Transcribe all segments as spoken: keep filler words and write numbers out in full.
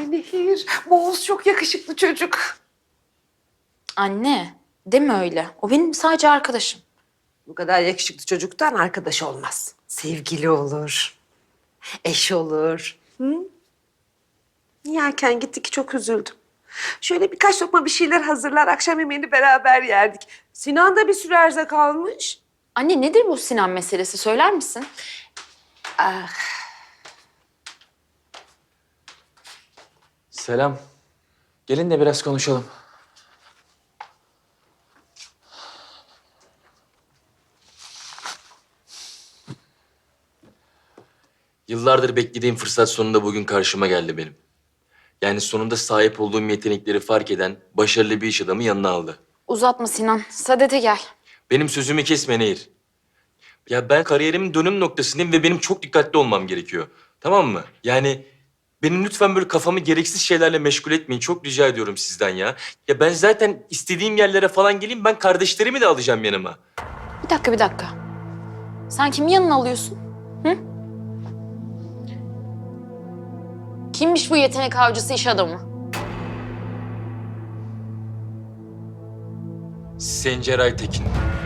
Ay Nehir, bu Oğuz çok yakışıklı çocuk. Anne, deme öyle. O benim sadece arkadaşım. Bu kadar yakışıklı çocuktan arkadaş olmaz. Sevgili olur, eş olur. Hı? Yerken gitti ki çok üzüldüm. Şöyle birkaç lokma bir şeyler hazırlar, akşam yemeğini beraber yerdik. Sinan da bir süre erzak almış. Anne nedir bu Sinan meselesi söyler misin? Ah, Selam. Gelin de biraz konuşalım. Yıllardır beklediğim fırsat sonunda bugün karşıma geldi benim. Yani sonunda sahip olduğum yetenekleri fark eden başarılı bir iş adamı yanına aldı. Uzatma Sinan, Sadet'e gel. Benim sözümü kesme Nehir. Ya ben kariyerimin dönüm noktasındayım ve benim çok dikkatli olmam gerekiyor. Tamam mı? Yani benim lütfen böyle kafamı gereksiz şeylerle meşgul etmeyin. Çok rica ediyorum sizden ya. Ya ben zaten istediğim yerlere falan geleyim. Ben kardeşlerimi de alacağım yanıma. Bir dakika, bir dakika. Sen kimi yanına alıyorsun? Hı? Kimmiş bu yetenek avcısı iş adamı? Sencer Aytekin.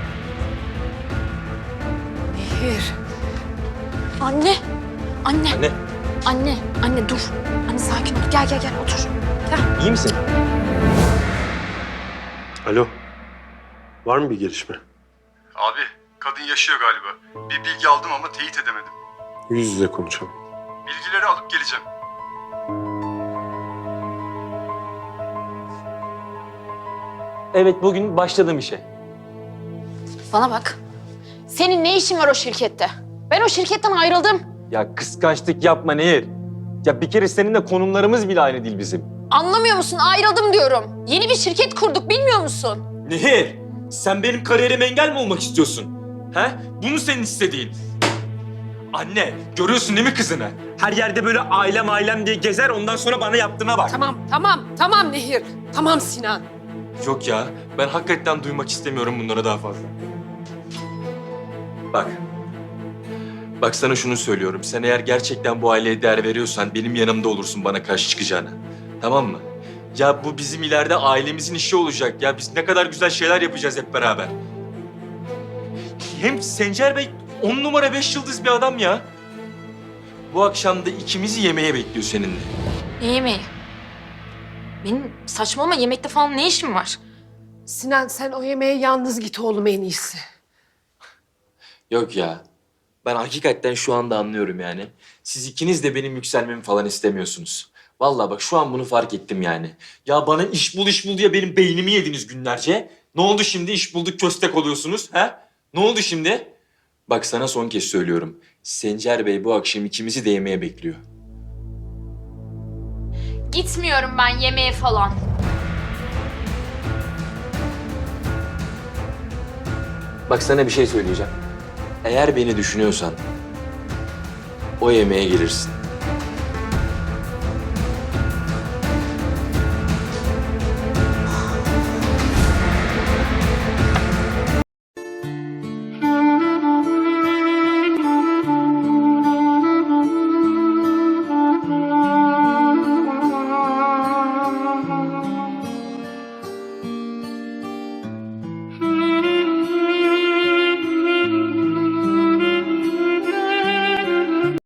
Nehir. Anne, anne, Anne, anne, anne dur. Anne sakin ol. Gel, gel, gel otur. Gel. iyi misin? Alo. Var mı bir gelişme? Abi, kadın yaşıyor galiba. Bir bilgi aldım ama teyit edemedim. Yüz yüze konuşalım. Bilgileri alıp geleceğim. Evet, bugün başladım işe. Bana bak. Senin ne işin var o şirkette? Ben o şirketten ayrıldım. Ya kıskançlık yapma Nehir. Ya bir kere seninle konumlarımız bile aynı değil bizim. Anlamıyor musun? Ayrıldım diyorum. Yeni bir şirket kurduk, bilmiyor musun? Nehir, sen benim kariyerime engel mi olmak istiyorsun? He? Bu mu senin istediğin? Anne, görüyorsun değil mi kızını? Her yerde böyle ailem ailem diye gezer, ondan sonra bana yaptığına bak. Tamam, tamam, tamam Nehir. Tamam Sinan. Yok ya, ben hakikaten duymak istemiyorum bunlara daha fazla. Bak. Bak sana şunu söylüyorum. Sen eğer gerçekten bu aileye değer veriyorsan benim yanımda olursun bana karşı çıkacağına. Tamam mı? Ya bu bizim ileride ailemizin işi olacak. Ya biz ne kadar güzel şeyler yapacağız hep beraber. Hem Sencer Bey on numara beş yıldız bir adam ya. Bu akşam da ikimizi yemeğe bekliyor seninle. Ne yemeği? Benim saçmalama yemekte falan ne işim var? Sinan sen o yemeğe yalnız git oğlum en iyisi. Yok ya. Ben hakikaten şu anda anlıyorum yani. Siz ikiniz de benim yükselmemi falan istemiyorsunuz. Vallahi bak şu an bunu fark ettim yani. Ya bana iş bul iş bul diye benim beynimi yediniz günlerce. Ne oldu şimdi iş bulduk köstek oluyorsunuz ha? Ne oldu şimdi? Bak sana son kez söylüyorum. Sencer Bey bu akşam ikimizi de yemeğe bekliyor. Gitmiyorum ben yemeğe falan. Bak sana bir şey söyleyeceğim. Eğer beni düşünüyorsan o yemeğe gelirsin.